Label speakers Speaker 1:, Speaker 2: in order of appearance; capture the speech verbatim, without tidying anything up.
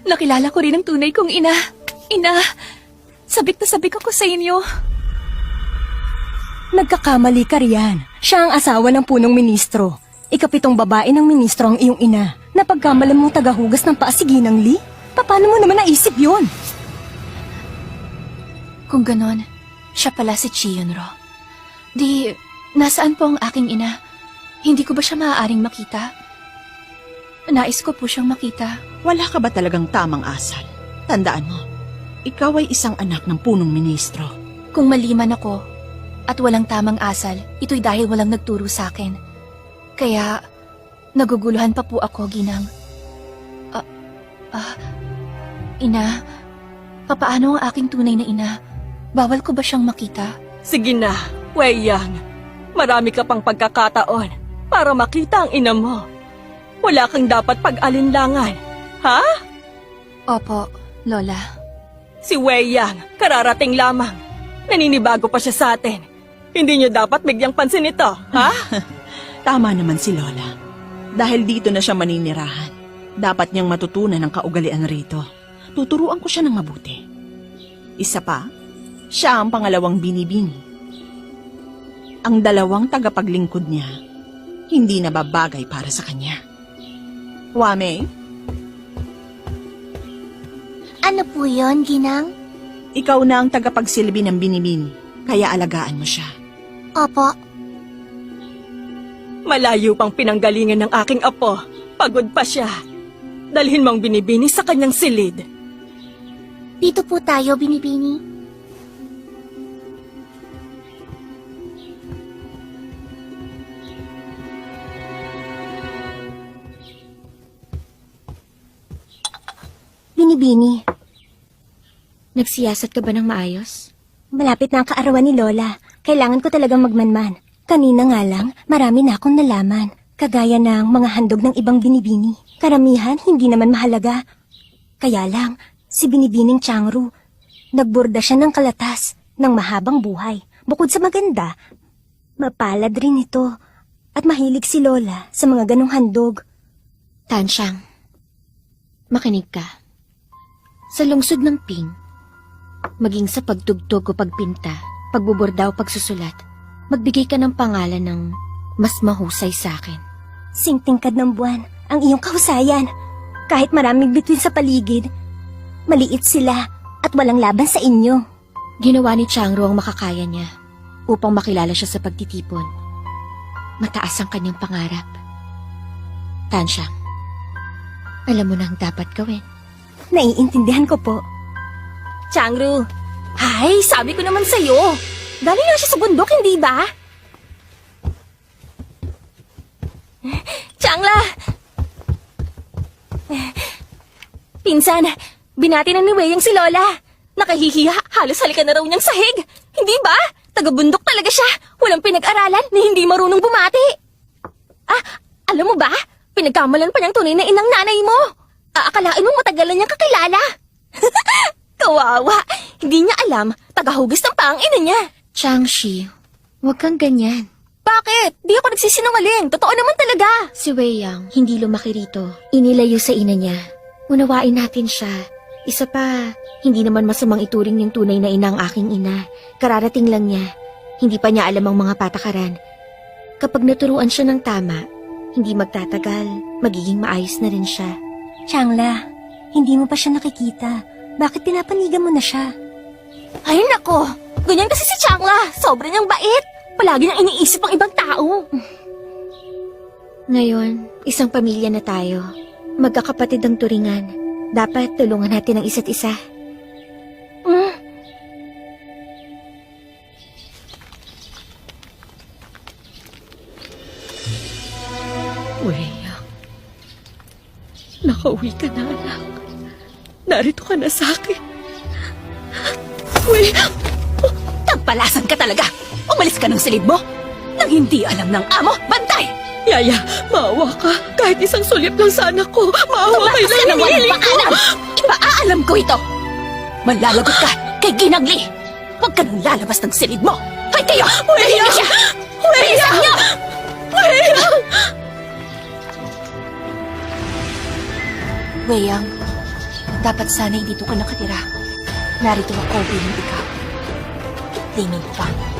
Speaker 1: nakilala ko rin ang tunay kong ina. Ina, sabik na sabik ako sa inyo.
Speaker 2: Nagkakamali ka riyan. Siya ang asawa ng punong ministro. Ikapitong babae ng ministro ang iyong ina. Napagkamalan mong tagahugas ng paasiginang Lee? Paano mo naman naisip yun?
Speaker 1: Kung ganon, siya pala si Chiyunro. Di, nasaan po ang aking ina? Hindi ko ba siya maaaring makita? Nais ko po siyang makita.
Speaker 3: Wala ka ba talagang tamang asal? Tandaan mo, ikaw ay isang anak ng punong ministro.
Speaker 1: Kung maliman ako at walang tamang asal, ito'y dahil walang nagturo sa akin. Kaya, naguguluhan pa po ako, Ginang. Ah, ah, ina, papaano ang aking tunay na ina? Bawal ko ba siyang makita?
Speaker 4: Sige na, Wei Yang. Marami ka pang pagkakataon para makita ang ina mo. Wala kang dapat pag-alinlangan, ha?
Speaker 1: Opo, Lola.
Speaker 4: Si Wei Yang, kararating lamang. Naninibago pa siya sa atin. Hindi niyo dapat bigyang pansin ito, ha?
Speaker 3: Tama naman si Lola. Dahil dito na siya maninirahan, dapat niyang matutunan ang kaugalian rito. Tuturuan ko siya ng mabuti. Isa pa, siya ang pangalawang binibini. Ang dalawang tagapaglingkod niya, hindi na babagay para sa kanya. Wame,
Speaker 5: Ano po yon, Ginang?
Speaker 3: ikaw na ang tagapagsilbi ng binibini, kaya alagaan mo siya.
Speaker 5: Opo.
Speaker 4: Malayo pang pinanggalingan ng aking apo. Pagod pa siya. Dalhin mong binibini sa kanyang silid.
Speaker 5: Dito po tayo, Binibini.
Speaker 2: Binibini,
Speaker 6: Nagsiyasat ka ba ng maayos?
Speaker 2: malapit na ang kaarawan ni Lola. Kailangan ko talagang magmanman. Kanina nga lang, marami na akong nalaman. Kagaya ng mga handog ng ibang binibini. Karamihan, hindi naman mahalaga. Kaya lang, si Binibining Changru, nagborda siya ng kalatas ng mahabang buhay. Bukod sa maganda, mapalad rin ito. At mahilig si Lola sa mga ganong handog.
Speaker 6: Tansyang, makinig ka. Sa lungsod ng Ping, maging sa pagtugtog o pagpinta, pagbuborda o pagsusulat, magbigay ka ng pangalan ng mas mahusay sa akin.
Speaker 2: Singtingkad ng buwan ang iyong kahusayan. Kahit maraming bituin sa paligid, maliit sila at walang laban sa inyo.
Speaker 6: Ginawa ni Changro ang makakaya niya upang makilala siya sa pagtitipon. Mataas ang kanyang pangarap. Tansyang, alam mo na ang dapat gawin.
Speaker 2: Naiintindihan ko po.
Speaker 1: Changru, hay, sabi ko naman sa'yo. Galing nga siya sa bundok, hindi ba? Changla! Pinsan, binati na ni Weyang si Lola. Nakahihiya, halos halikan na raw niyang sahig. Hindi ba? Taga-bundok talaga siya. Walang pinag-aralan na hindi marunong bumati. Ah, alam mo ba? Pinagkamalan pa niyang tunay na inang nanay mo. Aakalain mo matagalan niyang kakilala. Kawawa. Hindi niya alam, tagahugis ng paang ina niya.
Speaker 6: Changshi, huwag kang ganyan.
Speaker 1: Bakit? Di ako nagsisinungaling. Totoo naman talaga.
Speaker 6: Si Wei Yang, hindi lumaki rito. Inilayo sa ina niya. Unawain natin siya. Isa pa, hindi naman masamang ituring niyang tunay na ina ang aking ina. Kararating lang niya. Hindi pa niya alam ang mga patakaran. Kapag naturuan siya ng tama, hindi magtatagal, magiging maayos na rin siya.
Speaker 2: Changla, hindi mo pa siya nakikita. Bakit pinapanigan mo na siya?
Speaker 1: Ay nako, ganyan kasi si Changla. Sobra niyang bait. Palagi niyang iniisip ang ibang tao.
Speaker 6: Ngayon, isang pamilya na tayo. Magkakapatid ang turingan. Dapat tulungan natin ang isa't isa.
Speaker 1: Mm.
Speaker 4: Wei Yang, nakauwi ka na, anak. Narito ka na sa akin. Wei Yang!
Speaker 1: Tagpalasan ka talaga. Umalis ka ng silid mo. Nang hindi alam ng amo, bantay!
Speaker 4: Yaya, maawa ka. Kahit isang sulyap lang sa anak ko. Maawa
Speaker 1: Tumakas
Speaker 4: kayo
Speaker 1: ka
Speaker 4: lang
Speaker 1: ng walang
Speaker 4: hinihiling ko.
Speaker 1: paalam. Ipaalam ko ito. Malalagot ka kay Ginagli. Huwag ka nang lalabas ng silid mo. Hoy kayo! Tumigil siya! Bilisan niyo! Weyang, Dapat sana'y dito ka nakatira. Narito ako bilang ikaw. Tingin pa.